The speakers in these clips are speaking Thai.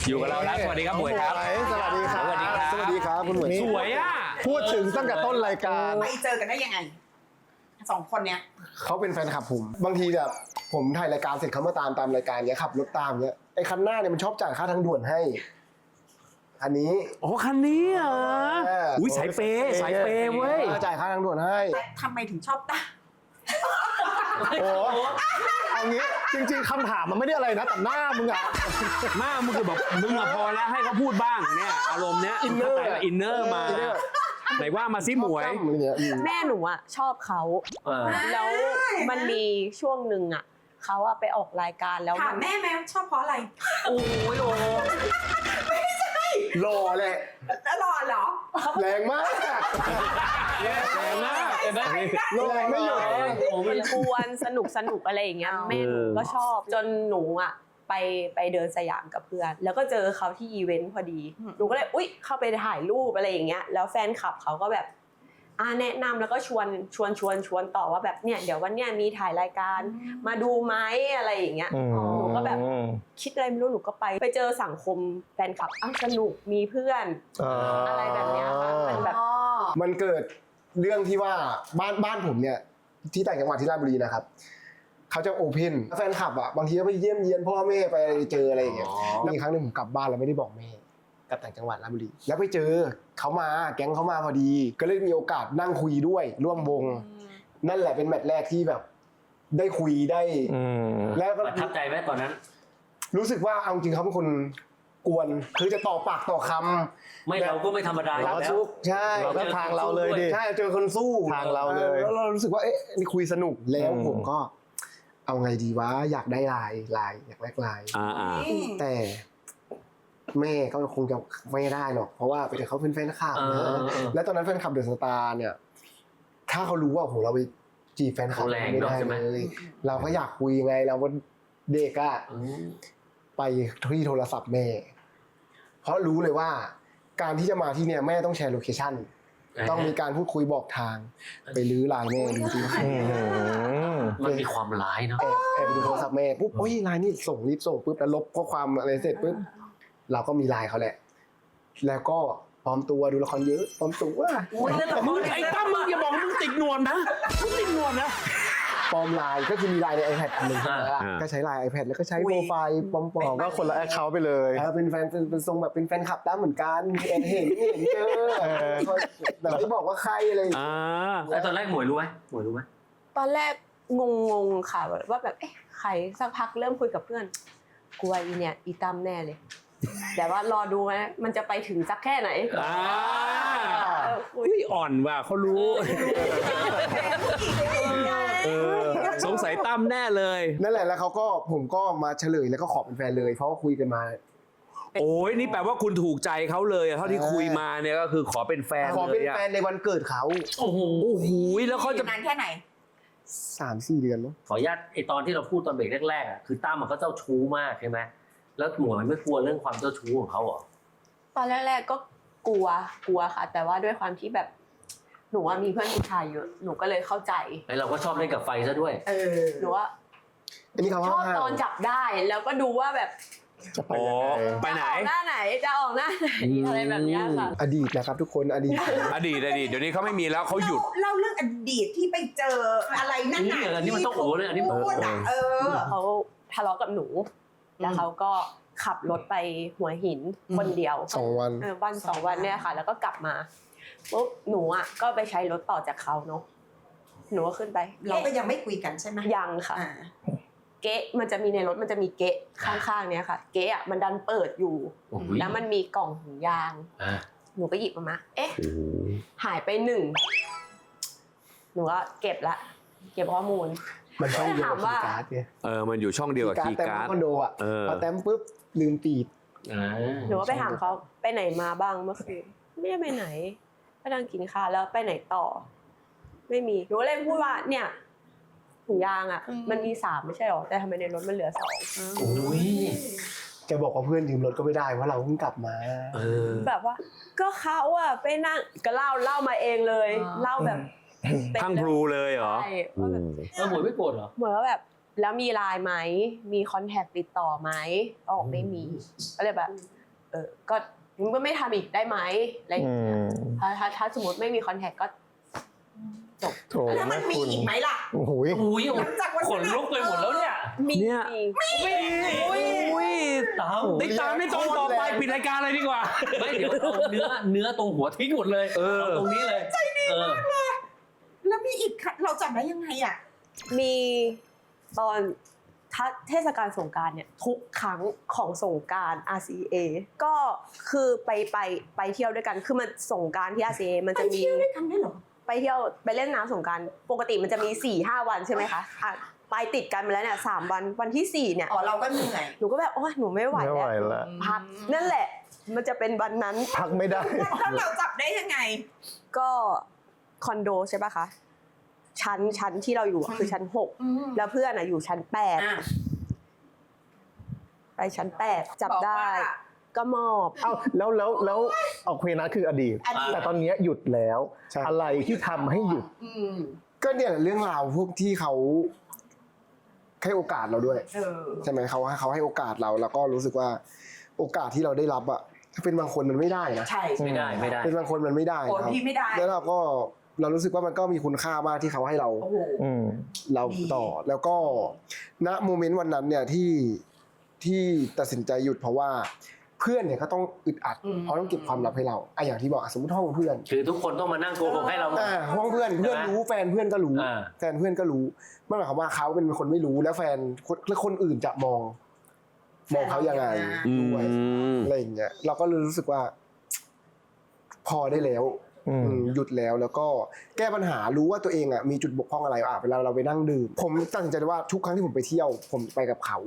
อยู่กับเราแล้วสวัสดีครับหมวยครับสวัสดีครับสวัสดีครับสวัสดีครับคุณหมวยสวยอ่ะพูดถึงตั้งแต่ต้นรายการไปเจอกันได้ยังไงสองคนเนี้ยเขาเป็นแฟนคลับผมบางทีแบบผมถ่ายรายการเสร็จเขามาตามรายการเนี้ยขับรถตามเนี้ยไอ้คันหน้าเนี่ยมันชอบจ่ายค่าทางด่วนให้อันนี้โอ้คันนี้เหรออุ้ยสายเปย์สายเปย์เว้ยจ่ายค่าทางด่วนให้แต่ทำไมถึงชอบตาโอ้เอางี้จริงๆคำถามมันไม่ได้อะไรนะแต่หน้ามึงอะมากมึงคือแบบมึงอะพอแล้วให้เขาพูดบ้างเนี่ยอารมณ์เนี้ยอินเนอร์อินเนอร์มาไหนว่ามาซิหมวยจ้ำอะไรเงี้ยแม่หนูอ่ะชอบเขา แล้วมันมีช่วงหนึ่งอ่ะเขาอะไปออกรายการแล้วถามแม่ไหมชอบเพราะอะไรโอ้ยโอ้หล่อแหละแล้วหล่อเหรอแรงมากแรงมากเห็นไหมแรงไม่หยุดมันกวนสนุกอะไรอย่างเงี้ยแม่หนูก็ชอบจนหนูอ่ะไปเดินสยามกับเพื่อน แล้วก็เจอเขาที่อีเวนต์พอดีหนูก็เลยอุ๊ยเข้าไปถ่ายรูปอะไรอย่างเงี้ยแล้วแฟนคลับเขาก็แบบแนะนำแล้วก็ชวนต่อว่าแบบเนี่ยเดี๋ยววันเนี้ยมีถ่ายรายการมาดูไหมอะไรอย่างเงี้ยหนูก็แบบคิดอะไรไม่รู้หนูก็ไปเจอสังคมแฟนคลับสนุกมีเพื่อนอะไรแบบเนี้ยค่ะมันแบบมันเกิดเรื่องที่ว่าบ้านผมเนี่ยที่ต่างจังหวัดที่ราชบุรีนะครับเขาจะโอเพนแฟนคลับอ่ะบางทีก็ไปเยี่ยมเยียนพ่อแม่ไปเจออะไรอย่างเงี้ยมีครั้งหนึงผมกลับบ้านแล้วไม่ได้บอกแม่กลับต่างจังหวัดราชบุรีแล้วไปเจอเขามาแก๊งเขามาพอดี ก็เลยมีโอกาสนั่งคุยด้วยร่วมวงนั่นแหละเป็นแมตช์แรกที่แบบ ได้คุยได้แล้วก็ประทับใจไหมตอนนั้นรู้สึกว่าเอาจริงเขาเป็นคนกวนคือจะต่อปากต่อคำไม่เราก็ไม่ธรรมดาอยู่รับแล้วซุกใช่เราก็ทางเราเลยดิใช่เจอคนสู้ทางเราเลยแล้วเรารู้สึกว่าเอ๊ะนี่คุยสนุกแล้วผมก็ เอาไงดีวะอยากได้ลายอยากแลกลาย แต่แม่ก็คงจะไม่ได้หรอกเพราะว่าเป็นเขาเป็นแฟนคลับนะและตอนนั้นแฟนคลับเดอะสตาร์เนี่ย ถ้าเขารู้ว่าโหเราไปจีบแฟนคลับไม่ได้เลยเราก็อยากคุยไงเราก็เด็กอะไปที่โทรศัพท์แม่ เพราะรู้เลยว่า การที่จะมาที่เนี่ยแม่ต้องแชร์โลเคชั่นต้องมีการพูดคุยบอกทาง ไปรื้อไลน์แม่ดูที่มันมีความร้ายเนาะแอบไปดูโทรศัพท์แม่ปุ๊บโอ้ยไลน์นี่รีบส่งปุ๊บแล้วลบข้อความอะไรเสร็จปุ๊บเราก็มีไลน์เขาแหละ แล้วก็ปลอมตัวดูละครเยอะปลอมตัวมึงไอ้ตั้มมึงอย่าบอกมึงติดหนวดนะมึงติดหนวดนะปลอมไลน์ก็คือมีไลน์ใน iPad อันหนึงใช่ไหมล่ะก็ใช้ไลน์ iPad แล้วก็ใช้โปรไฟล์ปลอมก็คนละแอคเคาท์ไปเลยเป็นแฟนเป็นทรงแบบเป็นแฟนคลับตั้มเหมือนกันเห็นเจอแต่ไม่บอกว่าใครอะไรอย่างเงี้ยแล้วตอนแรกหมวยรู้ไหมหมวยรู้ไหมตอนแรกงงค่ะว่าแบบเอ๊ะใครสักพักเริ่มคุยกับเพื่อนกลัวอีเนี่ยอีตั้มแน่เลย แต่ว่ารอดูนะมันจะไปถึงสักแค่ไหนอุ้ยอ่อนว่ะเขารู้สงสัยตั้มแน่เลยนั่นแหละแล้วผมก็มาเฉลยแล้วก็ขอเป็นแฟนเลยเพราะว่าคุยกันมาโอ้ยนี่แปลว่าคุณถูกใจเขาเลยเท่าที่คุยมาเนี่ยก็คือขอเป็นแฟนขอเลเป็นยแฟนในวันเกิดเขาโอ้โหแล้วเขาจะนานแค่ไหน 3-4 เดือนมั้งขออนุญาตไอตอนที่เราพูดตอนเบรกแรกๆอ่ะคือตั้มมันก็เจ้าชู้มากใช่ไหมแล้วหมวยไม่กลัวเรื่องความเจ้าชู้ของเขาเหรอตอนแรกๆก็กลัวค่ะ แต่ว่าด้วยความที่แบบหนูว่ามีเพื่อนผู้ชายเยอะหนูก็เลยเข้าใจไอเราก็ชอบเล่นกับไฟซะด้วยหนูว่าอันนี้เขาชอบตอนจับได้แล้วก็ดูว่าแบบจะไปโอ้ยังไงไปไหนจะออกหน้าไหนจะออกหน้าไหนอะไรแบบเนี้ยค่ะอดีตนะครับทุกคนอดีตอดีตเดี๋ยวนี้เขาไม่มีแล้วเขาหยุดเล่าเรื่องอดีตที่ไปเจออะไรนั่นอันนี้มันต้องโอ้เลยอันนี้พูดอ่ะเขาทะเลาะกับหนู แล้วเขาก็ขับรถไปหัวหินคนเดียว 2 วันวัน2 วันเนี่ยค่ะ แล้วก็กลับมาปุ๊บหนูอ่ะก็ไปใช้รถต่อจากเขาเนาะหนูก็ขึ้นไปเราก็ยังไม่คุยกันใช่ไหมยังค่ะ เก๊ะมันจะมีในรถมันจะมีเก๊ะข้างๆเนี่ยค่ะ เก๊ะอ่ะมันดันเปิดอยู่ แล้วมันมีกล่องถุงยางหนูก็หยิบมาเอ๊ะหายไป1หนูก็เก็บละเก็บข้อมูลมันช่องเดียวกับถามว่าคีย์การ์ดเนี่ยมันอยู่ช่องเดียวกับคีย์แต่การ์ดคอนโดอ่ะพอแต้มปุ๊บลืมปีดหนูก็ไปถามเขาไปไหนมาบ้างเมื่อคืนไม่ได้ไปไหนไปนั่งกินข้าวแล้วไปไหนต่อ ไม่มีหนูก็เลยพูดว่าเนี่ยถุงยางอ่ะมันมี3ไม่ใช่หรอแต่ทำไมในรถมันเหลือ2 โอ้ยจะบอกว่าเพื่อนยืมรถก็ไม่ได้เพราะเราเพิ่งกลับมาแบบว่าก็เขาอะไปนั่งก็เล่ามาเองเลยเล่าแบบพังพลูเลยเหรอใช่ว่าแบบหมวยไม่โกรธเหรอเหมือนว่าแบบแล้วมีไลน์ไหมมีคอนแทคติดต่อไหมก็บอกไม่มีก็เลยแบบก็มึงก็ไม่ทำอีกได้ไหมอะไรอย่างเงี้ยถ้าสมมติไม่มีคอนแทคก็จบโถแล้วมันมีอีกไหมล่ะโอ้โหอุ้ยหลังจากวันขนลุกไปหมดแล้วเนี่ยมีเนี่ย อุ้ยตามติดตามในตอนต่อไปปิดรายการเลยดีกว่าไม่เดี๋ยวเอาเนื้อตรงหัวทิ้งหมดเลยเอาตรงนี้เลยใจดีมากเลยแล้วมีอีกเราจำได้ยังไงอ่ะมีตอนเทศกาลสงกรานต์เนี่ยทุกครั้งของสงกรานต์ RCA ก็คือไปเที่ยวด้วยกันคือมันสงกรานต์ที่ RCA มันไปจะมีเที่ยวด้วยกันได้เหรอไปเที่ยวไปเล่นน้ำสงกรานต์ปกติมันจะมี 4-5 วันใช่ไหมคะไปติดกันมาแล้วเนี่ย3 วันที่ 4เนี่ยอ๋อเราก็เหนื่อยหนูก็แบบโอ้ยหนูไม่ไหวไม่ไหวแล้วละพักนั่นแหละ มันจะเป็นวันนั้นพักไม่ได้แล้วเราจับได้ยังไงก็คอนโดใช่ปะคะชั้นที่เราอยู่อะคือชั้น 6 แล้วเพื่อนอยู่ชั้นอ่ะ 8 ไปชั้น 8 จับได้บอกว่าก็มอบเอ้าแล้วเอาเคนะคืออดีตอดีตแต่ตอนเนี้ยหยุดแล้วใช่อะไรที่ทำให้หยุดก็เนี่ยเรื่องราวพวกที่เขาให้โอกาสเราด้วย ใช่ไหมเขาให้โอกาสเราแล้วก็รู้สึกว่าโอกาสที่เราได้รับอะถ้าเป็นบางคนมันไม่ได้นะใช่ไม่ได้เป็นบางคนมันไม่ได้โอ้นะครับพี่ไม่ได้แล้วเรารู้สึกว่ามันก็มีคุณค่ามากที่เขาให้เราโอ้โหเราดีต่อแล้วก็ณโมเมนต์วันนั้นเนี่ยที่ตัดสินใจหยุดเพราะว่าเพื่อนเนี่ยก็ต้องอึดอัดเพราะต้องเก็บความลับให้เราอย่างที่บอกสมมติห้องเพื่อนคือทุกคนต้องมานั่งโกหกให้เราหมดห้องเพื่อนรู้แฟนเพื่อนก็รู้อ่าแฟนเพื่อนก็รู้ไม่หมายความว่าเขาเป็นคนไม่รู้แล้วแฟนคนอื่นจะมองเขายังไงด้วยอะไรอย่างเงี้ยเราก็เลยรู้สึกว่า พอได้แล้วหยุดแล้วก็แก้ปัญหารู้ว่าตัวเองมีจุดบกพร่องอะไรเวลาเราไปนั่งดื่มผมตัดสินใจว่าทุกครั้งที่ผมไปเที่ยว ผมไปกับเขา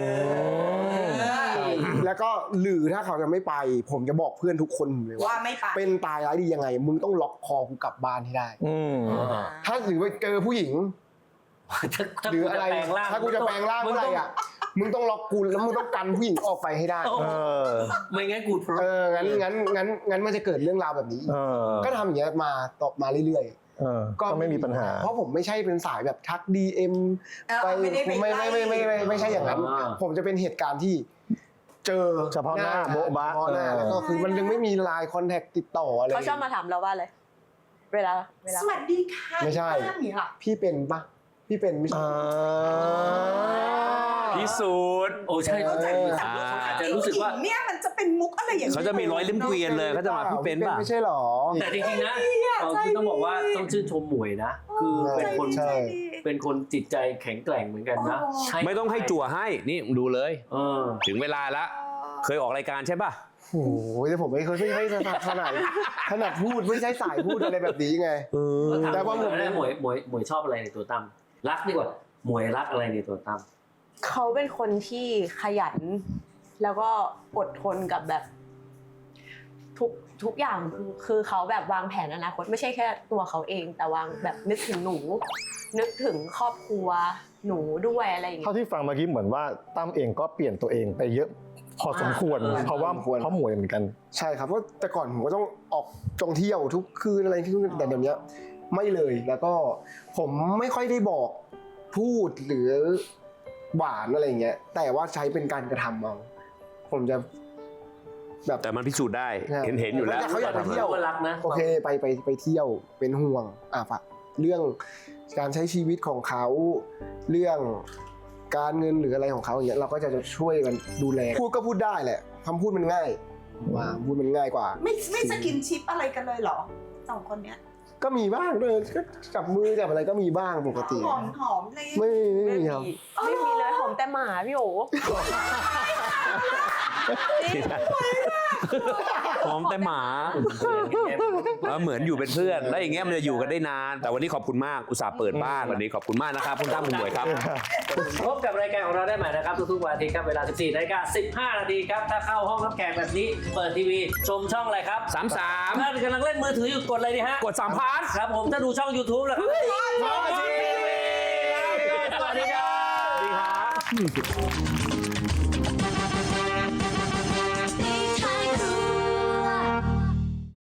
แล้วก็หรือถ้าเขาจะไม่ไป ผมจะบอกเพื่อนทุกคนเลยว่าไม่ไปเป็นตายร้ายดียังไง มึงต้องล็อกคอกูกลับบ้านให้ได้ ถ้าหรือไปเจอผู้หญิงถ้าหรือกูอะจะไรแปลงร่างถ้ากูจะแปลงร่างเมื่อไหร่มึงต้องล็อกกูแล้วมึงต้องกันผู้หญิงออกไปให้ได้ไม่งั้นกูงั้นมันจะเกิดเรื่องราวแบบนี้ ก็ทำอย่างเงี้ยมาตบมาเรื่อยๆก็ไม่มีปัญหาเพราะผมไม่ใช่เป็นสายแบบทัก DM ไปไม่ได้ไปไม่ใช่อย่างนั้น ผมจะเป็นเหตุการณ์ที่เจอเฉพาะหน้าโบ๊ะบะเฉพาะหน้าแล้วก็คือมันยังไม่มีไลน์คอนแทคติดต่ออะไรเขาชอบมาถามเราว่าอะไรเวลาสวัสดีค่ะไม่ใช่บ้านเนี่ยค่ะพี่เป็นปะพี่เป็นไม่ใช่พิสูจน์โอ้ใช่เขาใจดีอาจจะรู้สึกว่าเนี่ยมันจะเป็นมุกอะไรอย่างนี้เขาจะมีร้อยเล่มเกวียนเลยเขาจะมาพี่เป็นป่ะไม่ใช่หรอแต่จริงๆนะคือต้องบอกว่าต้องชื่นชมหมวยนะ คือเป็นคนจิตใจแข็งแกร่งเหมือนกันนะไม่ต้องให้จั่วให้นี่ดูเลย ถึงเวลาละเคยออกรายการใช่ป่ะโอ้โหแต่ผมไม่เคยไม่ขนาดพูดไม่ใช่สายพูดอะไรแบบนี้ไงแต่ว่าหมวยชอบอะไรในตัวตั้มรักดีกว่าหมวยรักอะไรในตัวตั้มเขาเป็นคนที่ขยัน แล้วก็อดทนกับแบบทุกอย่างคือเขาแบบวางแผนอนาคตไม่ใช่แค่ตัวเขาเอง แต่วางแบบนึกถึงหนู นึกถึงครอบครัวหนูด้วยอะไรอย่างเงี้เท่าย ที่ฟังเมื่อกี้เหมือนว่าตั้มเองก็เปลี่ยนตัวเองไปเยอะ พอสมควรเพราะหมวยเหมือนกันใช่ครับเพราะแต่ก่อนผมก็ต้องออกท่องเที่ยวทุกคืนอะไรที่แต่เดี๋ยวนี้ไม่เลยแล้วก็ผมไม่ค่อยได้บอกพูดหรือหวานอะไรเงี้ยแต่ว่าใช้เป็นการกระทำเอาผมจะแบบแต่มันพิสูจน์ได้เห็นอยู่แล้วเขาอยากไปเที่ยวก็รักนะโอเคไปเที่ยวเป็นห่วงฝากเรื่องการใช้ชีวิตของเขาเรื่องการเงินหรืออะไรของเขาอย่างเงี้ยเราก็จะช่วยกันดูแลพูดก็พูดได้แหละคำพูดมันง่ายว่าพูดมันง่ายกว่าไม่สกินชิปอะไรกันเลยเหรอสองคนเนี้ยก็มีบ้างเลยก็จับมือจับอะไรก็มีบ้างปกติหอมเลยไม่มีครับไม่มีเลยหอมแต่หมาพี่โอหอมแต่หมาเหมือนอยู่เป็นเพื่อนแล้วอย่างเงี้ยมันจะอยู่กันได้นาน แต่วันนี้ขอบคุณมากอุตส่าห์เปิดบ้านวันนี้ขอบคุณมากนะครับคุณตั้มคุณหมวยครับพบกับรายการของเราได้ใหม่นะครับทุกๆวันอาทิตย์ครับเวลา 14:15 น.ครับถ้าเข้าห้องรับแขกแบบนี้เปิดทีวีชมช่องอะไรครับ 33 ถ้ากำลังเล่นมือถืออยู่กดอะไรดีฮะกด3 พาร์ทครับผมถ้าดูช่อง YouTube แล้วครับสวัสดีครับสวัสดีครับ